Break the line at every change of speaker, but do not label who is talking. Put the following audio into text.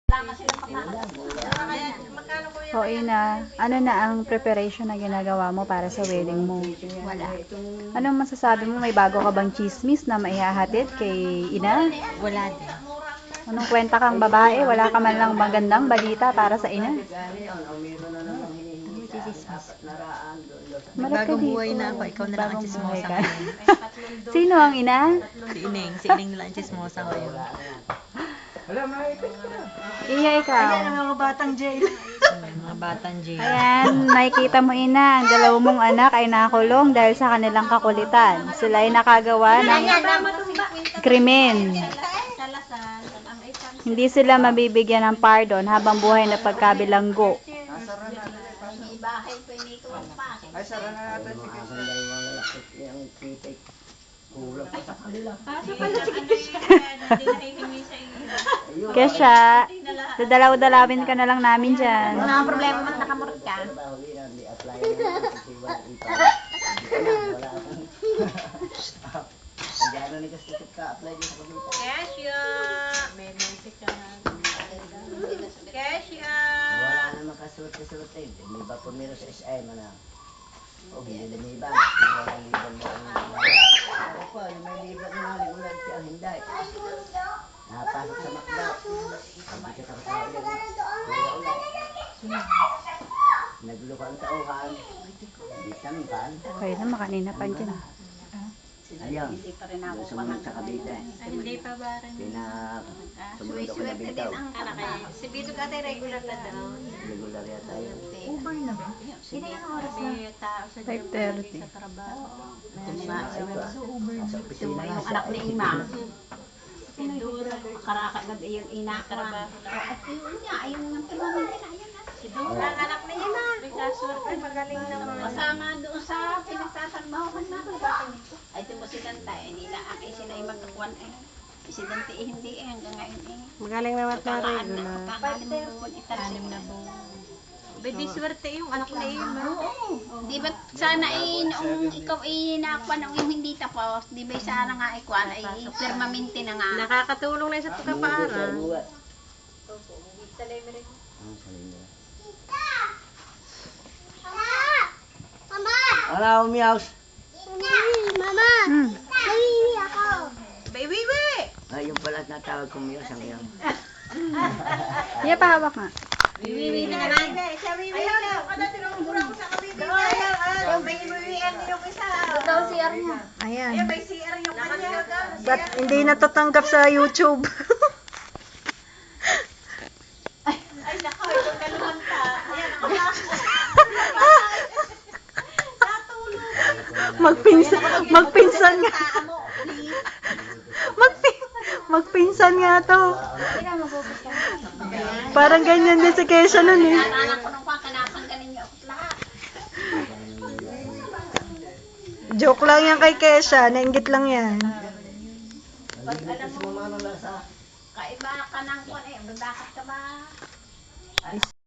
O Ina, ano na ang preparation na ginagawa mo para sa wedding mo?
Wala.
Anong masasabi mo? May bago ka bang chismis na maihahatid kay Ina?
Wala din.
Anong kwenta kang babae? Wala ka man lang magandang balita para sa Ina?
Ano chismis?
Malapit
Bagong
dito.
buhay na ako. Ikaw na lang ang
Bagong buhay
chismosa
ka.
ngayon.
Sino ang Ina?
Si Ining na lang ang chismosa ngayon.
Iya, ikaw.
Mga batang jail. Mga batang jail.
Ayan, nakikita mo Ina, ang dalawa mong anak ay nakulong dahil sa kanilang kakulitan. Sila ay nakagawa ng krimen. Hindi sila mabibigyan ng pardon habang buhay na pagkabilanggo.
Ay, sara na natin si
Kesha, dadalaw-dalawin ka na lang namin dyan.
Wala ang problema man nakamurot ka.
Kesha! Kesha!
Wala na makasuot-suot eh. Hindi ba pumiro sa SM na? O, hindi lumiban. Walang liban mo ang ako pa, may liban na ulan siya ang hindi. Napasok sa makda. Hindi ka takot ulit. Nagluko ang tauhan. Hindi tampan.
Kaya na, makanina pa dyan.
Ayun. Sumunod sa Cavite.
Hindi pa ba rin?
Sumunod ako na Bintaw.
Anak eh. Si Bito ka tayo regular na daw.
Regular yata yun.
Uber na ba? Hindi na oras na.
May tao sa
5:30.
sa trabaho.
Sa opisina
Yung anak ni Ima.
Dura.
Karakagad yung ina ko.
Ayun nga, ayun nga permanente na ayun na. Si Dura, ang anak ni Ima. May kasurte, magaling naman. Kasama doon sa pinagtatrabahoan na ako. Ay, tumusidanta eh. Hindi na aki sila ay magkakuan eh. Presidente eh, hindi eh. Hanggang ngayon eh.
Magaling naman na regular.
Italim na buwan. Di swerte yung anak na Ima.
Di ba sana noong ikaw nakuha na yung hindi tapos, di ba sana nga ikuha ay permanente na nga.
Nakakatulong na sa pagkapaaral.
Sa linya. Ano, Miaus?
Baby, we!
Ay, yung pala natawag ko Miaus ang iyong.
Iya, pahawak nga.
Wiwi na naman. Siya wiwi na. Kada tinuturo ko sa kabibi. Yung may wiwian yung isa.
Ikaw CR niya.
Ayan.
Ay, may CR yung kanya.
Ba't hindi natatanggap sa YouTube?
Ay, nako, ito kaluhan ka. Ayan,
Magpinsan nga. Magpinsan nga to. Parang ganyan din si Kesha nun eh.
Anak ko nung kanakangganin niyo ako lahat.
Joke lang yan kay Kesha. Nainggit lang yan.
Pag alam mo, kaiba ka ng kuwan eh, bakit ka ba?